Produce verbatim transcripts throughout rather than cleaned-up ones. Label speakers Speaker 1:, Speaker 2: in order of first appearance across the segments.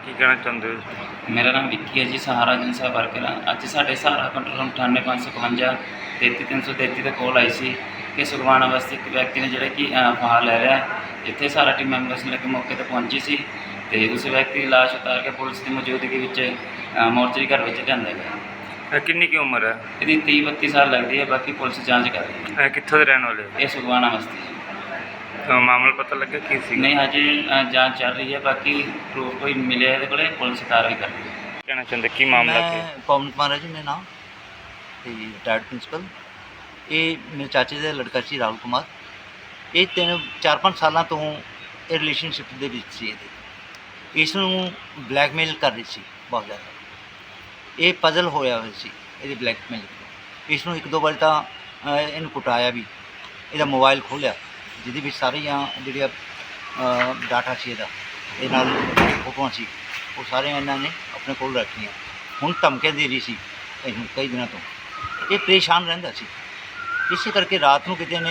Speaker 1: ਕੀ ਕਹਿਣਾ ਚਾਹੁੰਦੇ ਹੋ?
Speaker 2: मेरा नाम विक्की है जी, सहारा एजेंसी वर्कर हाँ। अज साढ़े सहारा कंट्रोल रूम अठानवे पाँच सौ इकवंजा तेती तीन सौ तेती तक कॉल आई सी कि सुखवाना वास्ते एक व्यक्ति ने जोड़ा कि फाहा लै लिया। इतने सारा टीम मैंबर्स ने मौके पर पहुंची सी ते उस व्यक्ति की लाश उतार के पुलिस की मौजूदगी मोर्चरी घर में लिया गया।
Speaker 1: ਇਹ ਕਿੰਨੀ ਕੀ ਉਮਰ ਹੈ?
Speaker 2: यदि तीह बत्ती साल लगती है, बाकी पुलिस जाँच कर रही है।
Speaker 1: ਇਹ ਕਿੱਥੋਂ ਦੇ ਰਹਿਣ ਵਾਲੇ ਹੋ?
Speaker 2: ये सुखवाना वास्ते
Speaker 1: ਅ, ਮਾਮਲਾ ਪਤਾ ਲੱਗਾ ਕੀ ਸੀ?
Speaker 2: नहीं हजे जाँच चल रही है, बाकी प्रूफ कोई मिले ये को पुलिस कार्रवाई कर रही है।
Speaker 1: ਕਹਿਣਾ ਚਾਹੁੰਦੇ ਕੀ ਮਾਮਲਾ ਕੀ?
Speaker 3: मैं पवन कुमार है जी मेरा नाम ਤੇ ਰਿਟਾਇਰਡ ਪ੍ਰਿੰਸੀਪਲ। ਇਹ ਮੇਰੇ ਚਾਚੇ ਦਾ ਲੜਕਾ ਸੀ ਰਾਹੁਲ ਕੁਮਾਰ। ਇਹ ਤਿੰਨ ਚਾਰ ਪੰਜ ਸਾਲਾਂ ਤੋਂ ਇਹ ਰਿਲੇਸ਼ਨਸ਼ਿਪ ਦੇ ਵਿੱਚ ਸੀ। ਇਹਦੇ ਇਸ ਨੂੰ ਬਲੈਕਮੇਲ ਕਰ ਰਹੀ ਸੀ ਬਹੁਤ ਜ਼ਿਆਦਾ। ਇਹ ਪਜ਼ਲ ਹੋਇਆ ਹੋਇਆ ਸੀ ਇਹਦੇ ਬਲੈਕਮੇਲ ਤੋਂ। ਇਸ ਨੂੰ ਇੱਕ ਦੋ ਵਾਰ ਤਾਂ ਅ, ਇਹਨੂੰ ਕੁਟਾਇਆ ਵੀ। ਇਹਦਾ ਮੋਬਾਈਲ ਖੋਲ੍ਹਿਆ ਜਿਹਦੇ ਵਿੱਚ ਸਾਰੀਆਂ ਜਿਹੜੀਆਂ ਡਾਟਾ ਸੀ ਇਹਦਾ, ਇਹ ਨਾਲ ਫੋਟੋਆਂ ਸੀ, ਉਹ ਸਾਰੀਆਂ ਇਹਨਾਂ ਨੇ ਆਪਣੇ ਕੋਲ ਰੱਖੀਆਂ। ਹੁਣ ਧਮਕੇ ਦੇ ਰਹੀ ਸੀ ਇਹਨੂੰ ਕਈ ਦਿਨਾਂ ਤੋਂ। ਇਹ ਪਰੇਸ਼ਾਨ ਰਹਿੰਦਾ ਸੀ, ਇਸੇ ਕਰਕੇ ਰਾਤ ਨੂੰ ਕਿਤੇ ਨੇ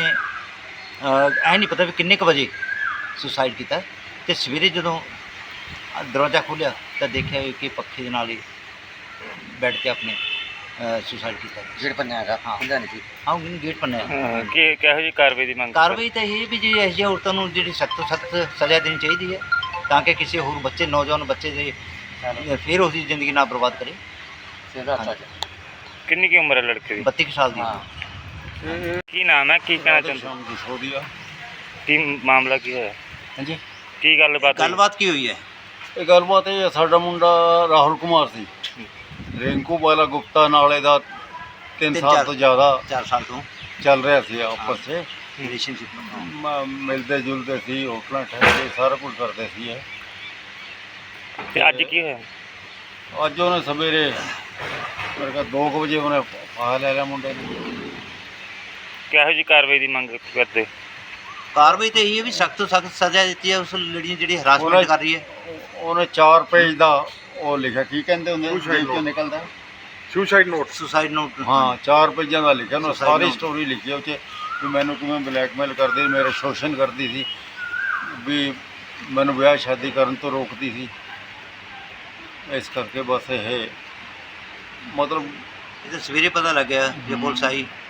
Speaker 3: ਐ ਨਹੀਂ ਪਤਾ ਵੀ ਕਿੰਨੇ ਕੁ ਵਜੇ ਸੁਸਾਈਡ ਕੀਤਾ। ਅਤੇ ਸਵੇਰੇ ਜਦੋਂ ਦਰਵਾਜ਼ਾ ਖੋਲ੍ਹਿਆ ਤਾਂ ਦੇਖਿਆ ਕਿ ਪੱਖੇ ਦੇ ਨਾਲ ਹੀ ਬੈੱਡ 'ਤੇ ਆਪਣੇ ਸੁਸਾਈਡ ਕੀਤਾ।
Speaker 4: ਗੇਟ ਪੰਨਿਆ ਹੈਗਾ
Speaker 3: ਹਾਂ
Speaker 4: ਹੁੰਦਾ ਨਹੀਂ ਸੀ।
Speaker 3: ਹਾਂ ਗੇਟ ਪੰਨਿਆ।
Speaker 1: ਅ, ਕੀ ਕਿਹੋ ਜਿਹੀ ਕਾਰਵਾਈ ਦੀ ਮੰਗ?
Speaker 3: ਕਾਰਵਾਈ ਤਾਂ ਇਹ ਵੀ ਜੀ ਇਹੋ ਜਿਹੀਆਂ ਔਰਤਾਂ ਨੂੰ ਜਿਹੜੀ ਸਖਤ ਤੋਂ ਸਖਤ ਸਜ਼ਾ ਦੇਣੀ ਚਾਹੀਦੀ ਹੈ, ਤਾਂ ਕਿ ਕਿਸੇ ਹੋਰ ਬੱਚੇ ਨੌਜਵਾਨ ਬੱਚੇ ਦੇ ਫਿਰ ਉਸ ਦੀ ਜ਼ਿੰਦਗੀ ਨਾ ਬਰਬਾਦ ਕਰੇ।
Speaker 4: ਸਿੱਧਾ ਸੱਚ
Speaker 1: ਕਿੰਨੀ ਕੀ ਉਮਰ ਹੈ ਲੜਕੇ ਦੀ?
Speaker 3: ਬੱਤੀ ਕੁ ਸਾਲ ਦੀ।
Speaker 4: ਹਾਂ।
Speaker 1: ਕੀ ਨਾਮ ਹੈ? ਕੀ ਕਹਿਣਾ ਚਾਹੁੰਦੇ?
Speaker 4: ਸ਼ਾਮ ਦੀ ਸੋਦੀ ਆ।
Speaker 1: ਕੀ ਮਾਮਲਾ ਕੀ ਹੋਇਆ?
Speaker 3: ਹਾਂਜੀ,
Speaker 1: ਕੀ ਗੱਲਬਾਤ ਹੋਈ?
Speaker 3: ਗੱਲਬਾਤ ਕੀ ਹੋਈ ਹੈ?
Speaker 4: ਇਹ ਗੱਲਬਾਤ ਇਹ ਸਾਡਾ ਮੁੰਡਾ ਰਾਹੁਲ ਕੁਮਾਰ ਸੀ, ਰਿੰਕੂ ਵਾਲਾ ਗੁਪਤਾ ਨਾਲੇ ਦਾ ਤਿੰਨ
Speaker 3: ਤਿੰਨ
Speaker 4: ਸਾਲ
Speaker 3: ਚਾਰ-
Speaker 4: ਤੋਂ ਜ਼ਿਆਦਾ
Speaker 3: ਚਾਰ ਸਾਲ ਤੋਂ
Speaker 4: ਚੱਲ ਰਿਹਾ ਸੀ ਆਪਸ 'ਚ।
Speaker 3: ਰਿਲੇਸ਼ਨਸ਼ਿਪ।
Speaker 4: ਮ- ਮਿਲਦੇ ਜੁਲਦੇ ਸੀ, ਹੋਟਲਾਂ ਠਹਿਰਦੇ, ਸਾਰਾ ਕੁਝ ਕਰਦੇ ਸੀ ਇਹ।
Speaker 1: ਤੇ ਅੱਜ ਕੀ ਹੋਇਆ?
Speaker 4: ਅੱਜ ਉਹਨੇ ਸਵੇਰੇ ਮੇਰੇ ਕੋਲ ਦੋ ਕੁ ਵਜੇ ਉਹਨੇ ਫਾਹਾ ਲੈ ਲਿਆ ਮੁੰਡੇ ਨੇ।
Speaker 1: ਕਿਹੋ ਜਿਹੀ ਕਾਰਵਾਈ ਦੀ ਮੰਗ ਕਰਦੇ?
Speaker 3: ਕਾਰਵਾਈ ਤਾਂ ਇਹ ਹੈ ਵੀ ਸਖਤ ਤੋਂ ਸਖਤ ਸਜ਼ਾ ਦਿੱਤੀ ਹੈ ਉਸ ਲੜੀ ਨੂੰ ਜਿਹੜੀ ਹਰਾਸਮੈਂਟ
Speaker 4: ਉਹਨੇ-
Speaker 3: ਕਰ ਰਹੀ ਹੈ।
Speaker 4: ਉਹਨੇ ਚਾਰ ਪੇਜ ਦਾ ਉਹ ਲਿਖਿਆ, ਕੀ ਕਹਿੰਦੇ ਹੁੰਦੇ ਨੇ, ਪੇਜ ਚੋਂ ਨਿਕਲਦਾ
Speaker 3: ਸੁਸਾਈਡ ਨੋਟ। Suicide note.
Speaker 4: ਹਾਂ, ਚਾਰ ਪੇਜਾਂ ਦਾ ਲਿਖਿਆ ਉਹਨੇ,
Speaker 3: Suicide
Speaker 4: ਸਾਰੀ
Speaker 3: note।
Speaker 4: ਸਟੋਰੀ ਲਿਖੀ ਉਹ 'ਚ ਵੀ ਮੈਨੂੰ ਕਿਵੇਂ ਬਲੈਕਮੇਲ ਕਰਦੀ, ਮੇਰਾ ਸ਼ੋਸ਼ਣ ਕਰਦੀ ਸੀ, ਵੀ ਮੈਨੂੰ ਵਿਆਹ ਸ਼ਾਦੀ ਕਰਨ ਤੋਂ ਰੋਕਦੀ ਸੀ। ਇਸ ਕਰਕੇ ਬਸ ਇਹ ਮਤਲਬ
Speaker 3: ਇਹ ਤਾਂ ਸਵੇਰੇ ਪਤਾ ਲੱਗਿਆ ਜੇ ਪੁਲਿਸ ਆਈ